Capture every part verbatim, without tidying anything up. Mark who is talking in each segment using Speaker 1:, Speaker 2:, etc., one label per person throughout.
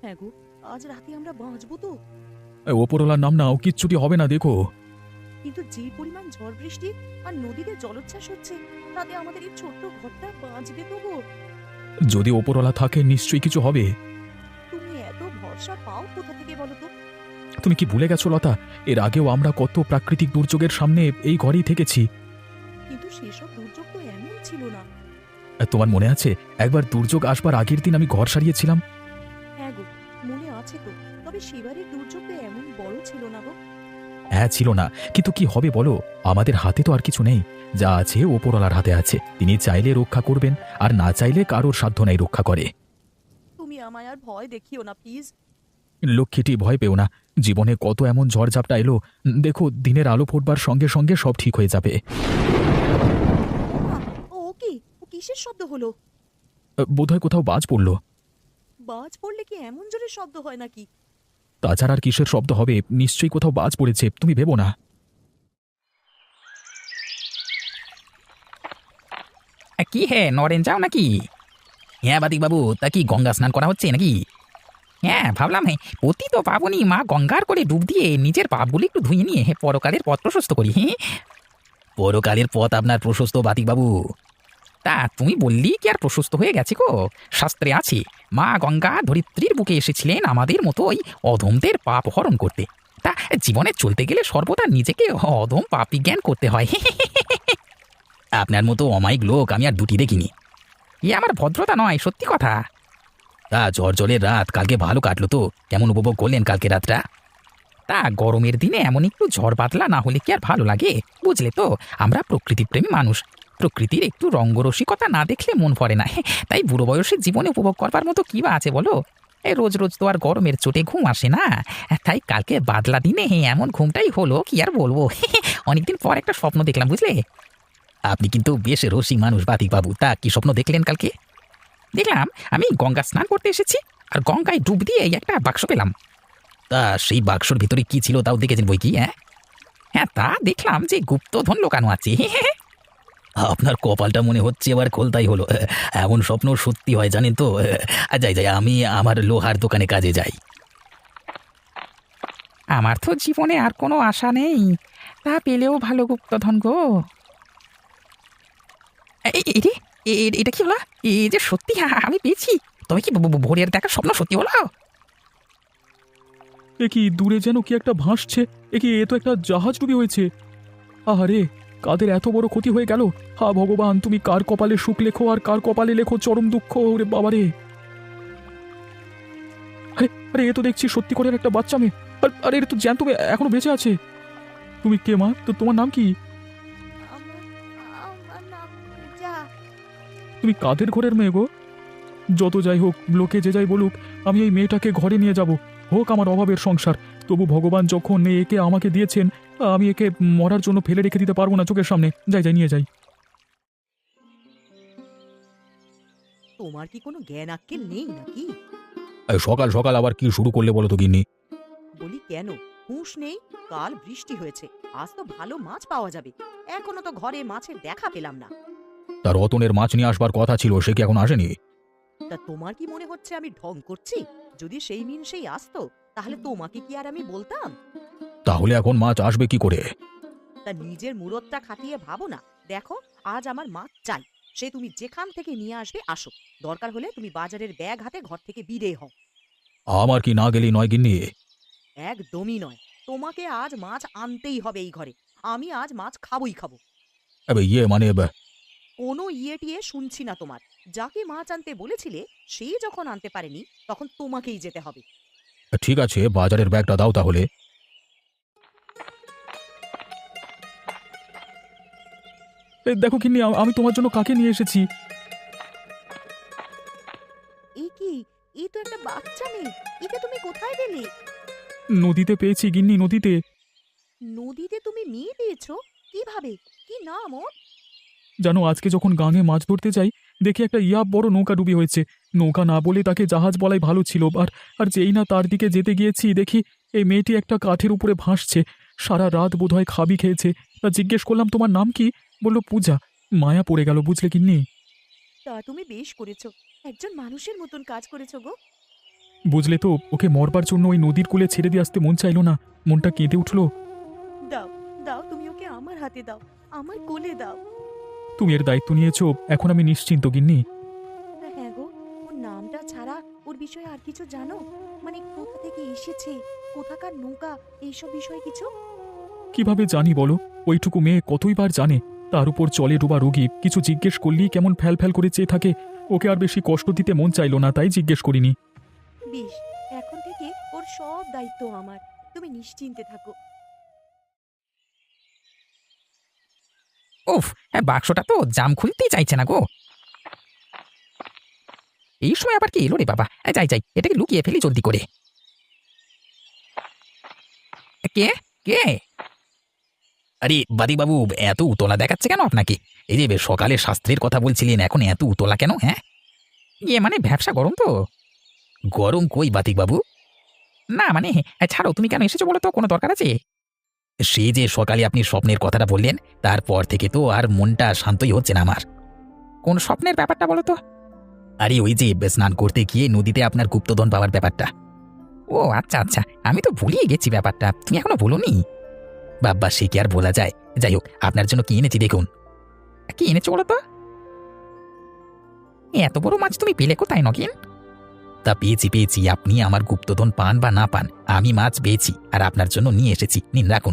Speaker 1: হ্যাঁ গো, আজ রাতে আমরা বাঁচবো তো?
Speaker 2: এ, ওপরওয়ালার নাম নাও, কিচ্ছুটি হবে না, দেখো।
Speaker 1: কিন্তু যে পরিমাণ ঝড় বৃষ্টি আর নদীতে জলোচ্ছ্বাস হচ্ছে, তাতে আমাদের এই ছোট্ট ঘরটা বাঁচবে তো গো?
Speaker 2: যদি ওপরওয়ালা থাকে নিশ্চয়ই কিছু হবে।
Speaker 1: তুমি এত ভরসা পাও কোথা থেকে বলো তো?
Speaker 2: তুমি কি ভুলে গেছো লতা? এর আগেও আমরা কত প্রাকৃতিক দুর্যোগের সামনে এই ঘরেই থেকেছি।
Speaker 1: কিন্তু সেসব দুর্যোগ তো এমন ছিল না।
Speaker 2: আর তোমার মনে আছে একবার দুর্যোগ আসবার আগের দিন আমি ঘর সারিয়েছিলাম?
Speaker 1: হ্যাঁ গো, মনে আছে তো। তবে সেবারের দুর্যোগ তো এমন বড় ছিল না গো।
Speaker 2: হ্যাঁ, ছিল না, কিন্তু কি হবে বলো? আমাদের হাতে তো আর কিছু নেই। যা আছে ওপরওয়ালার হাতে আছে, তিনি চাইলে রক্ষা করবেন, আর না চাইলে কারোর সাধ্য নাই রক্ষা করে।
Speaker 1: তুমি আমায় আর ভয় দেখিও না প্লিজ।
Speaker 2: লক্ষ্মীটি, ভয় পেও না। জীবনে কত এমন ঝড়ঝাপটা এলো, দেখো দিনের আলো ফুটবার সঙ্গে সঙ্গে সব ঠিক হয়ে যাবে।
Speaker 1: ও মা, ও ও কি? ও কিসের শব্দ হলো?
Speaker 2: বোধহয় কোথাও বাজ পড়ল।
Speaker 1: বাজ পড়লে কি এমন জোরে শব্দ হয় নাকি?
Speaker 2: তাছাড়া আর কিসের শব্দ হবে? নিশ্চয়ই কোথাও বাজ পড়েছে, তুমি ভেবো না।
Speaker 3: আ, কি হে নরেন যাও নাকি? হ্যাঁ বাদিক বাবু, তা কি গঙ্গা স্নান করা হচ্ছে নাকি? হ্যাঁ ভাবলাম, হ্যাঁ পতিত পাবনী মা গঙ্গার করে ডুব দিয়ে নিজের পাপগুলি একটু ধুয়ে নিয়ে হে পরকালের পথ প্রশস্ত করি। হ্যাঁ, পরকালের পথ আপনার প্রশস্ত বাতিক বাবু। তা তুমি বললি কি আর প্রশস্ত হয়ে গেছে গো? শাস্ত্রে আছে মা গঙ্গা ধরিত্রীর বুকে এসেছিলেন আমাদের মতো ওই অধমদের পাপ হরণ করতে। তা জীবনে চলতে গেলে সর্বদা নিজেকে অধম পাপী জ্ঞান করতে হয়। আপনার মতো অমায়িক লোক আমি আর দুটি দেখিনি। এ আমার ভদ্রতা নয়, সত্যি কথা। তা ঝড় জলের রাত কালকে ভালো কাটলো তো? কেমন উপভোগ করলেন কালকে রাতটা? তা গরমের দিনে এমন একটু ঝড় বাদলা না হলে কি আর ভালো লাগে? বুঝলে তো, আমরা প্রকৃতিপ্রেমী মানুষ। প্রকৃতির একটু রঙ্গরসিকতা না দেখলে মন ভরে না। তাই বুড়ো বয়সের জীবনে উপভোগ করবার মতো কি বা আছে বলো? এই রোজ রোজ তো আর গরমের চোটে ঘুম আসে না। তাই কালকে বাদলা দিনে এমন ঘুমটাই হলো, কি আর বলবো। অনেকদিন পর একটা স্বপ্ন দেখলাম, বুঝলে? আপনি কিন্তু বেশ রসিক মানুষ বাতিক বাবু। তা কি স্বপ্ন দেখলেন কালকে? দেখলাম আমি গঙ্গা স্নান করতে এসেছি, আর গঙ্গায় ডুব দিয়ে এই একটা বাক্স পেলাম। তা সেই বাক্সর ভিতরে কি ছিল তাও দেখেছেন বই কি? হ্যাঁ হ্যাঁ, তা দেখলাম যে গুপ্তধন লোকানো আছে। আপনার কপালটা মনে হচ্ছে এবার খোলতাই হলো। এমন স্বপ্ন সত্যি হয় জানেন তো। যাই যাই, আমি আমার লোহার দোকানে কাজে যাই। আমার তো জীবনে আর কোনো আশা নেই, তা পেলেও ভালো গুপ্তধন গো। এই এই রে, এ- এটা কি হলো? এই যে সত্যি আ- আমি পেয়েছি। তবে কি ভ- ভ- ভোরের দেখা স্বপ্ন সত্যি হলো?
Speaker 2: এ কি দূরে যেন কি একটা ভাসছে? এ কি, এ তো একটা জাহাজ ডুবি হয়েছে। আহারে, কাদের এত বড় ক্ষতি হয়ে গেল! হা ভগবান, তুমি কার কপালে সুখ লেখো আর কার কপালে লেখো চরম দুঃখ। ওরে বাবারে! আরে আরে, এ তো দেখছি সত্যি করে একটা বাচ্চা মেয়ে। আর- আরে, এটা তো জ্যান্ত মেয়ে, এখনো বেঁচে আছে। তুমি কে মা? তো তোমার নাম কি?
Speaker 1: আমার আমার নাম পূজা।
Speaker 2: তুমি কাদের ঘরের মেয়ে গো? যত যাই হোক, লোকে যে যাই বলুক, আমি এই মেয়েটাকে ঘরে নিয়ে যাব। হোক আমার অভাবের সংসার, তবু ভগবান যখন একে আমাকে দিয়েছেন, আমি একে মরার জন্য ফেলে রেখে দিতে পারবো না চোখের সামনে। যাই যাই, নিয়ে যাই।
Speaker 1: তোমার কি কোনো জ্ঞান আক্কেল নেই নাকি?
Speaker 2: সকাল সকাল আবার কি শুরু করলে বলো তো গিন্নি?
Speaker 1: বলি কেন, হুঁশ নেই? কাল বৃষ্টি হয়েছে, আজ তো ভালো মাছ পাওয়া যাবে। এখনো তো ঘরে মাছের দেখা পেলাম না।
Speaker 2: তার রতনের মাছ নিয়ে আসবার কথা ছিল, সে কি এখন আসেনি?
Speaker 1: তা তোমার কি মনে হচ্ছে আমি ঢং করছি? যদি সেই মিন সেই আসতো, তাহলে তোমাকে কি আর আমি বলতাম?
Speaker 2: তাহলে এখন মাছ আসবে কি করে?
Speaker 1: তা নিজের মুরতটা খাটিয়ে ভাবো না। দেখো, আজ আমার মাছ চাই, সে তুমি যেখান থেকে নিয়ে আসবে আসো। দরকার হলে তুমি বাজারের ব্যাগ হাতে ঘর থেকে বিদে হও।
Speaker 2: আমার কি না গেলেই নয় গিন্নি?
Speaker 1: একদমই নয়। তোমাকে আজ মাছ আনতেই হবে এই ঘরে। আমি আজ মাছ খাবই খাবো।
Speaker 2: এবে ইয়ে মানে এবে-
Speaker 1: কোনো ইয়ে টিয়ে শুনছি না তোমার। যাকে মাছ আনতে বলেছিলে, সেই যখন আনতে পারেনি, তখন তোমাকেই যেতে হবে।
Speaker 2: ঠিক আছে, বাজারের ব্যাগটা দাও তাহলে। এ, দেখো গিন্নি, আ- আমি তোমার জন্য কাকে নিয়ে এসেছি।
Speaker 1: এ কি? এ তো একটা বাচ্চা মেয়ে। একে তুমি কোথায় পেলে?
Speaker 2: নদীতে পেয়েছি গিন্নি, নদীতে।
Speaker 1: নদীতে তুমি মেয়ে পেয়েছো? কিভাবে? কি নাম ওর?
Speaker 2: জানো, আজকে যখন গাঙে মাছ ধরতে যাই, দেখি একটা ইয়া বড় নৌকা ডুবি হয়েছে। নৌকা না বলে তাকে জাহাজ বলাই ভালো ছিল। আর আর যেই না তার দিকে যেতে গিয়েছি, দেখি এই মেয়েটি একটা কাঠের উপরে ভাসছে। সারা রাত বোধহয় খাবি খেয়েছে। তা জিজ্ঞেস করলাম তোমার নাম কি? বলল পূজা। মায়া পড়ে গেল, বুঝলে গিন্নি?
Speaker 1: তা তুমি বেশ করেছো। একজন মানুষের মতন কাজ করেছো গো।
Speaker 2: বুঝলে তো, ওকে মরবার জন্য ওই নদীর কূলে ছেড়ে দিয়ে আসতে মন চাইলো না, মনটা কেঁদে উঠলো।
Speaker 1: দাও দাও, তুমি ওকে আমার হাতে দাও, আমার কোলে দাও।
Speaker 2: তুমি এর দায়িত্ব নিয়েছো, এখন আমি নিশ্চিন্ত গিন্নি।
Speaker 1: হ্যাঁ গো, ওর নামটা ছাড়া ওর বিষয়ে আর কিছু জানো? মানে কোথা থেকে এসেছে, কোথাকার নৌকা, এইসব বিষয়ে কিছু?
Speaker 2: কিভাবে জানি বলো? ওইটুকু মেয়ে কতই বার জানে, তার উপর চলে ডোবা রোগী, কিছু জিজ্ঞেস করলেই কেমন ফ্যাল ফ্যাল করে চেয়ে থাকে। ওকে আর বেশি কষ্ট দিতে মন চাইলো না, তাই জিজ্ঞেস করিনি।
Speaker 1: বেশ, এখন থেকে ওর সব দায়িত্ব আমার, তুমি নিশ্চিন্তে থাকো।
Speaker 3: উফ, হ্যাঁ, বাক্সটা তো জাম খুলতেই চাইছে না গো। এই সময় আবার কি এলো রে বাবা? এ, যাই যাই, এটাকে লুকিয়ে ফেলি জলদি করে। এ, কে কে? আরে বাবু, এত উতলা দেখাচ্ছে কেন আপনাকে? এই যে বে- সকালে শাস্ত্রের কথা বলছিলেন, এখন এত উতলা কেন? হ্যাঁ, ইয়ে মানে ব্যবসা গরম তো। গরম কই বাবু? না মানে, এ, ছাড়ো, তুমি কেন এসেছো বলো তো, কোনো দরকার আছে? সে যে সকালে আপনি স্বপ্নের কথাটা বললেন, তারপর থেকে তো আর মনটা শান্তই হচ্ছে না আমার। কোন স্বপ্নের ব্যাপারটা বলো তো? আরে ওই যে স্নান করতে গিয়ে নদীতে আপনার গুপ্তধন পাওয়ার ব্যাপারটা। ও আচ্ছা আচ্ছা, আমি তো ভুলিয়ে গেছি ব্যাপারটা, তুমি এখনো বলোনি। বাব্বা, সে কি আর বলা যায়? যাই হোক, আপনার জন্য কি এনেছি দেখুন। কি এনেছো বলো তো? এ, এত বড় মাছ তুমি পেলে কোথায় নগেন? তা পেয়েছি পেয়েছি, আপনি আমার গুপ্তধন পান বা না পান, আমি মাছ পেয়েছি আর আপনার জন্য নিয়ে এসেছি, নিন রাখুন।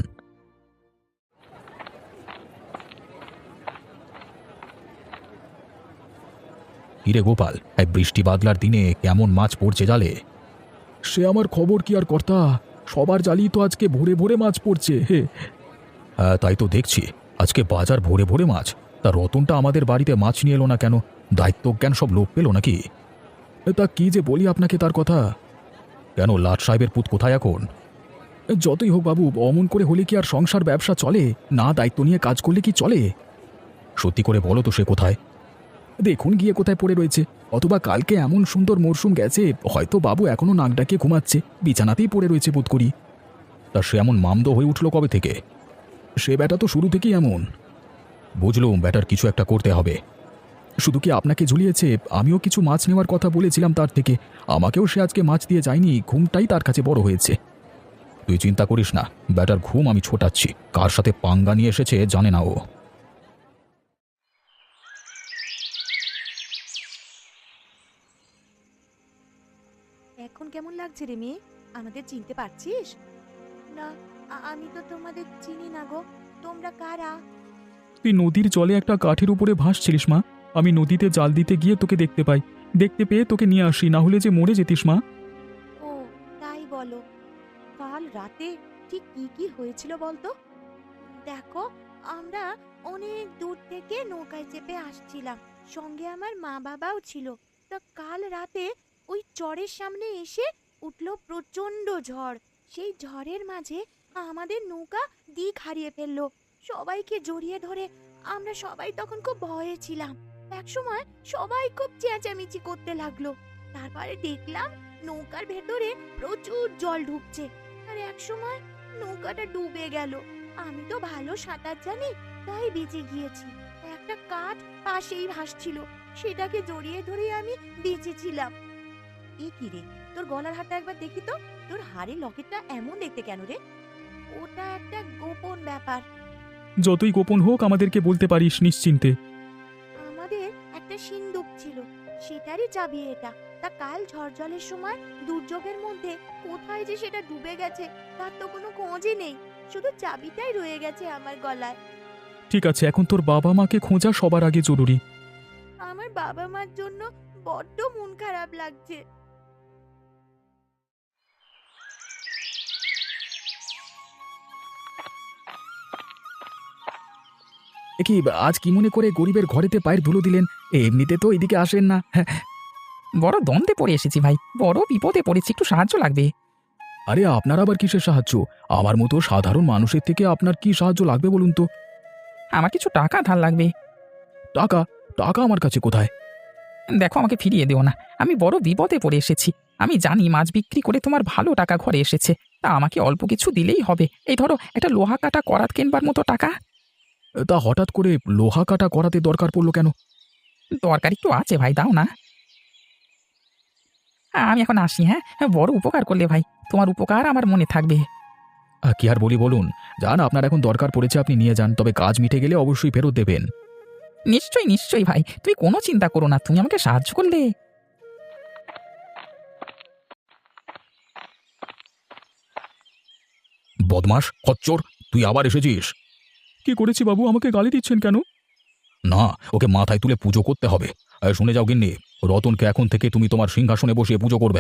Speaker 2: হিরে গোপাল, এই বৃষ্টি বাদলার দিনে কেমন মাছ পড়ছে জালে? সে আমার খবর কি আর কর্তা, সবার জালই তো আজকে ভোরে ভোরে মাছ পড়ছে। হে হ্যাঁ, তাই তো দেখছি, আজকে বাজার ভোরে ভোরে মাছ। তা রতনটা আমাদের বাড়িতে মাছ নিয়ে এলো না কেন? দায়িত্বজ্ঞান সব লোক পেল নাকি? তা কি যে বলি আপনাকে তার কথা। কেন, লাট সাহেবের পুত কোথায় এখন? যতই হোক বাবু, অমন করে হলে কি আর সংসার ব্যবসা চলে? না দায়িত্ব নিয়ে কাজ করলে কি চলে? সত্যি করে বলো তো, সে কোথায়? দেখুন গিয়ে কোথায় পড়ে রয়েছে, অথবা কালকে এমন সুন্দর মরশুম গেছে, হয়তো বাবু এখনো নাক ডাকিয়ে ঘুমাচ্ছে, বিছানাতেই পড়ে রয়েছে বোধ করি। তা সে এমন মামদো হয়ে উঠল কবে থেকে? সে ব্যাটা তো শুরু থেকেই এমন। বুঝলুম, ব্যাটার কিছু একটা করতে হবে। শুধু কি আপনাকে ঝুলিয়েছে? আমিও কিছু মাছ নেওয়ার কথা বলেছিলাম তার থেকে, আমাকেও সে আজকে মাছ দিয়ে যায়নি, ঘুমটাই তার কাছে বড় হয়েছে। তুই চিন্তা করিস না, ব্যাটার ঘুম আমি ছোটাচ্ছি, কার সাথে পাঙ্গা নিয়ে এসেছে জানে না ও।
Speaker 1: এখন কেমন লাগছে রে মেয়ে? আমাদের চিনতে পারছিস? না, আ- আমি তো তোমাদের চিনি না গো, তোমরা কারা?
Speaker 2: তুই নদীর জলে একটা কাঠের উপরে ভাসছিলিস মা, আমি নদীতে জাল দিতে গিয়ে তোকে দেখতে পাই, দেখতে পেয়ে তোকে নিয়ে আসি, না হলে যে মরে যেতিস মা।
Speaker 1: ও, তাই বলো। কাল রাতে ঠিক কি কি হয়েছিল বলতো? দেখো, আমরা অনেক দূর থেকে নৌকায় চেপে আসছিলাম, সঙ্গে আমার মা বাবাও ছিল। তা কাল রাতে ওই চরের সামনে এসে উঠলো প্রচন্ড ঝড়। সেই ঝড়ের মাঝে আমাদের নৌকা দিক হারিয়ে ফেললো। সবাইকে জড়িয়ে ধরে আমরা সবাই তখন খুব ভয়ে ছিলাম। একসময় সবাই খুব চেঁচামেচি করতে লাগলো। তারপরে দেখলাম নৌকার ভেতরে প্রচুর জল ঢুকছে, আর একসময় নৌকাটা ডুবে গেল। আমি তো ভালো সাঁতার জানি, তাই বেঁচে গিয়েছি। একটা কাঠ পাশেই ভাসছিল, সেটাকে জড়িয়ে ধরে আমি বেঁচেছিলাম। এ কি রে, তোর গলার হারটা একবার দেখি তো, তোর হাড়ের লকেটটা এমন দেখতে কেন রে? ওটা একটা গোপন ব্যাপার।
Speaker 2: যতই গোপন হোক আমাদেরকে বলতে পারিস নিশ্চিন্তে।
Speaker 1: আমাদের একটা সিন্দুক ছিল, সেটারই চাবি এটা। তা কাল ঝড় জলের সময় দুর্যোগের মধ্যে কোথায় যে সেটা ডুবে গেছে তার তো কোনো খোঁজই নেই, শুধু চাবিটাই রয়ে গেছে আমার গলায়।
Speaker 2: ঠিক আছে, এখন তোর বাবা মাকে খোঁজা সবার আগে জরুরি।
Speaker 1: আমার বাবা মার জন্য বড্ড মন খারাপ লাগছে।
Speaker 2: কি আজ কি মনে করে গরিবের ঘরেতে পায়ের ধুলো দিলেন? এমনিতে তো এদিকে আসেন না।
Speaker 3: বড় দ্বন্দ্বে পড়ে এসেছি ভাই, বড় বিপদে পড়েছি, একটু সাহায্য লাগবে।
Speaker 2: আরে আপনার আবার কিসের সাহায্য? আমার মতো সাধারণ মানুষের থেকে আপনার কি সাহায্য লাগবে বলুন তো?
Speaker 3: আমার কিছু টাকা ধার লাগবে।
Speaker 2: টাকা? টাকা আমার কাছে কোথায়?
Speaker 3: দেখো, আমাকে ফিরিয়ে দিও না, আমি বড় বিপদে পড়ে এসেছি। আমি জানি মাছ বিক্রি করে তোমার ভালো টাকা ঘরে এসেছে, তা আমাকে অল্প কিছু দিলেই হবে। এই ধরো, একটা লোহা কাটা করাত কেনবার মতো টাকা।
Speaker 2: তা হঠাৎ করে লোহা কাটা করাতে দরকার পড়লো কেন?
Speaker 3: দরকার একটু আছে ভাই, দাও না। আমি এখন আসি, হ্যাঁ? বড় উপকার করলে ভাই, তোমার উপকার আমার মনে থাকবে।
Speaker 2: আহ, কি আর বলি বলুন, যান, আপনার এখন দরকার পড়েছে আপনি নিয়ে যান, তবে কাজ মিটে গেলে অবশ্যই ফেরত দেবেন।
Speaker 3: নিশ্চয়ই নিশ্চয়ই ভাই, তুমি কোনো চিন্তা করো না, তুমি আমাকে সাহায্য করলে।
Speaker 2: বদমাস, খচ্চর, তুই আবার এসেছিস? কি করেছি বাবু, আমাকে গালি দিচ্ছেন কেন? না, ওকে মাথায় তুলে পুজো করতে হবে। আর শুনে যাও গিন্নি, রতনকে এখন থেকে তুমি তোমার সিংহাসনে বসিয়ে পুজো করবে।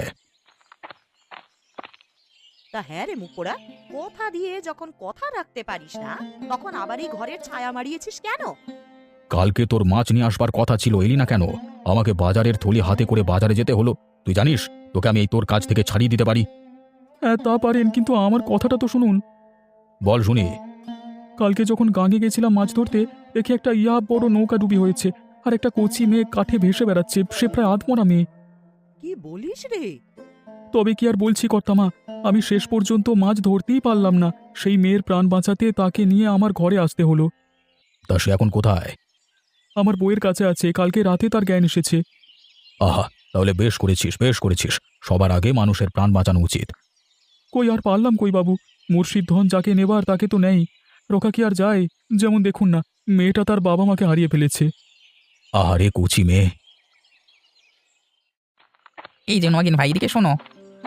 Speaker 1: তা হ্যাঁ রে মুখোড়া, কথা দিয়ে যখন কথা রাখতে পারিস না, তখন আবার এই ঘরের ছায়া মারিয়েছিস কেন?
Speaker 2: কালকে তোর মাছ নিয়ে আসবার কথা ছিল, এলি না কেন? আমাকে বাজারের থলি হাতে করে বাজারে যেতে হলো। তুই জানিস তোকে আমি এই তোর কাজ থেকে ছাড়িয়ে দিতে পারি। হ্যাঁ তা পারেন, কিন্তু আমার কথাটা তো শুনুন। বল শুনি। কালকে যখন গাঙে গেছিলাম মাছ ধরতে, দেখি একটা ইয়া বড় নৌকা ডুবি হয়েছে, আর একটা কচি মেয়ে কাঠে ভেসে বেড়াচ্ছে, সে প্রায় আধমরা মেয়ে।
Speaker 1: কি বলিস রে?
Speaker 2: তবে কি আর বলছি কর্তামা, আমি শেষ পর্যন্ত মাছ ধরতেই পারলাম না। সেই মেয়ের প্রাণ বাঁচাতে তাকে নিয়ে আমার ঘরে আসতে হলো। তা সে এখন কোথায়? আমার বইয়ের কাছে আছে, কালকে রাতে তার জ্ঞান এসেছে। আহা, তাহলে বেশ করেছিস, বেশ করেছিস। সবার আগে মানুষের প্রাণ বাঁচানো উচিত। কই আর পারলাম কই বাবু, মুর্শিদ ধন যাকে নেবার তাকে তো নেই। রোকা কি আর যায়? যেমন দেখুন না, মেয়েটা তার বাবা মাকে হারিয়ে ফেলেছে। আহারে কুচি মেয়ে।
Speaker 3: এই যে নগেন ভাই, এদিকে শোনো,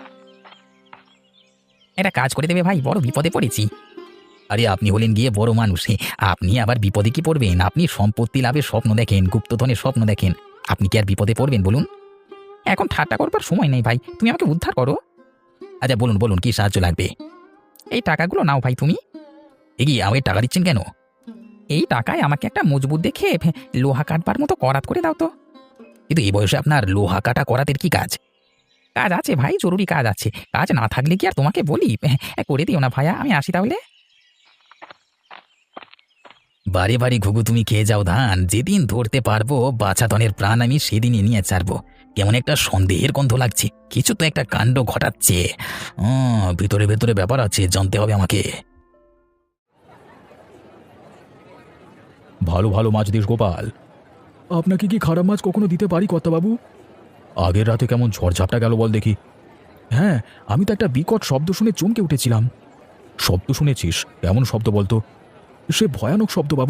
Speaker 3: এটা কাজ করে দেবে ভাই, বড় বিপদে পড়েছি। আরে আপনি হলেন গিয়ে বড় মানুষ, হে, আপনি আবার বিপদে কি পড়বেন? আপনি সম্পত্তি লাভের স্বপ্ন দেখেন, গুপ্তধনের স্বপ্ন দেখেন, আপনি কি আর বিপদে পড়বেন বলুন? এখন ঠাট্টা করবার সময় নেই ভাই, তুমি আমাকে উদ্ধার করো। আচ্ছা বলুন বলুন, কি সাহায্য লাগবে? এই টাকাগুলো নাও ভাই তুমি। এগিয়ে আমাকে টাকা দিচ্ছেন কেন? এই টাকায় আমাকে একটা মজবুত দেখে ফে, লোহা কাটবার মতো করাত করে দাও তো। কিন্তু এই বয়সে আপনার লোহা কাটা করাতের কি কাজ? কাজ আছে ভাই, জরুরি কাজ আছে, কাজ না থাকলে কি আর তোমাকে বলি? এ, করে দিও না ভাইয়া, আমি আসি তাহলে। বারে বারে ঘুঘু তুমি খেয়ে যাও ধান, যেদিন ধরতে পারবো বাছাধনের প্রাণ আমি সেদিনই নিয়ে ছাড়বো। কেমন একটা সন্দেহের গন্ধ লাগছে, কিছু তো একটা কাণ্ড ঘটাচ্ছে। উম, ভিতরে ভেতরে ব্যাপার আছে, জানতে হবে আমাকে।
Speaker 2: ভালো ভালো মাছ দিস গোপাল। আপনাকে কি খারাপ মাছ কখনো দিতে পারি কর্তাবাবু? আগের রাতে কেমন ঝড়ঝাপটা গেল বল দেখি। হ্যাঁ, আমি তো একটা বিকট শব্দ শুনে চমকে উঠেছিলাম। শব্দ শুনেছিস? কেমন শব্দ বলতো? সে ভয়ানক শব্দ বাবু।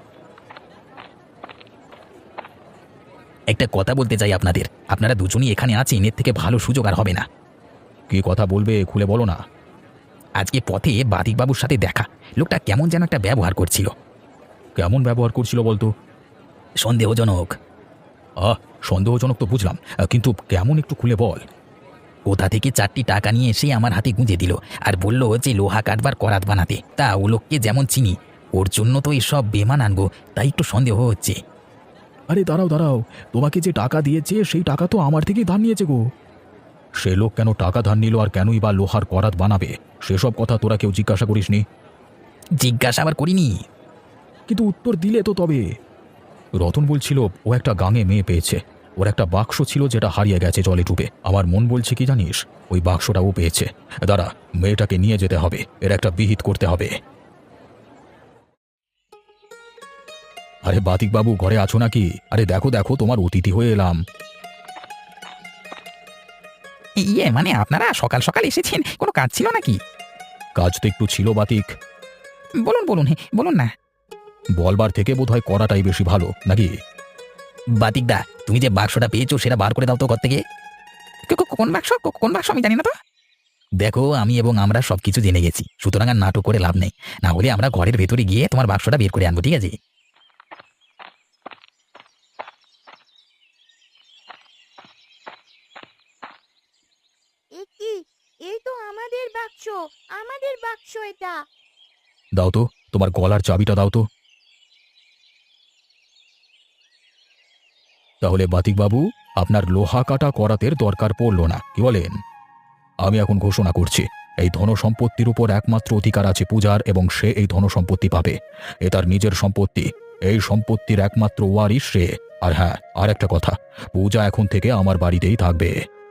Speaker 3: একটা কথা বলতে চাই আপনাদের, আপনারা দুজনই এখানে আছেন, এর থেকে ভালো সুযোগ আর হবে না।
Speaker 2: কি কথা বলবে, খুলে বলো না।
Speaker 3: আজকে পথে বাদিকবাবুর সাথে দেখা, লোকটা কেমন যেন একটা ব্যবহার করছিল।
Speaker 2: কেমন ব্যবহার করছিল বলতো?
Speaker 3: সন্দেহজনক।
Speaker 2: আহ, সন্দেহজনক তো বুঝলাম, আহ, কিন্তু কেমন একটু খুলে বল।
Speaker 3: কোথা থেকে চারটি টাকা নিয়ে এসে আমার হাতে গুঁজে দিল, আর বলল যে লোহা কাটবার করাত বানাতে। তা ও লোককে যেমন চিনি, ওর জন্য তো এসব বেমান আনবো, তাই একটু সন্দেহ হচ্ছে।
Speaker 2: আরে দাঁড়াও দাঁড়াও, তোমাকে যে টাকা দিয়েছে সেই টাকা তো আমার থেকেই ধার নিয়েছে গো। সে লোক কেন টাকা ধার নিল আর কেনই বা লোহার করাত বানাবে, সেসব কথা তোরা কেউ জিজ্ঞাসা করিসনি?
Speaker 3: জিজ্ঞাসা আবার করিনি।
Speaker 2: কিন্তু উত্তর দিলে তো তবে। রতন বলছিল ও একটা গাঙে মেয়ে পেয়েছে, ওর একটা বাক্স ছিল যেটা হারিয়ে গেছে জলে ডুবে। আমার মন বলছে কি জানিস, ওই বাক্সটা ও পেয়েছে। দাঁড়া, মেয়েটাকে নিয়ে যেতে হবে, এর একটা বিহিত করতে হবে। আরে বাতিক বাবু, ঘরে আছো নাকি? আরে দেখো দেখো, তোমার অতিথি হয়ে এলাম।
Speaker 3: ইয়ে মানে আপনারা সকাল সকাল এসেছেন, কোনো কাজ ছিল নাকি?
Speaker 2: কাজ তো একটু ছিল বাতিক।
Speaker 3: বলুন বলুন, হে বলুন না।
Speaker 2: বলবার থেকে বোধহয় করাটাই বেশি ভালো নাকি?
Speaker 3: বাতিকদা, তুমি যে বাক্সটা পেয়েছো সেটা বার করে দাও তো ঘর থেকে। কো- কো- কোন বাক্স? কো- কোন বাক্স আমি জানি না তো। দেখো, আমি এবং আমরা সবকিছু জেনে গেছি, সুতরাং আর নাটক করে লাভ নেই। না হলে আমরা ঘরের ভেতরে গিয়ে তোমার বাক্সটা বের করে আনবো, ঠিক আছে?
Speaker 1: এ কি? এই তো আমাদের বাক্স, আমাদের বাক্স এটা।
Speaker 2: দাও তো, তোমার গলার চাবিটা দাও তো। তাহলে বাতিক বাবু, আপনার লোহা কাটা করাতের দরকার পড়ল না, কি বলেন? আমি এখন ঘোষণা করছি, এই ধনসম্পত্তির উপর একমাত্র অধিকার আছে পূজার, এবং সে এই ধনসম্পত্তি পাবে। এ তার নিজের সম্পত্তি, এই সম্পত্তির একমাত্র ওয়ারিশ সে। আর হ্যাঁ, আর একটা কথা, পূজা এখন থেকে আমার বাড়িতেই থাকবে।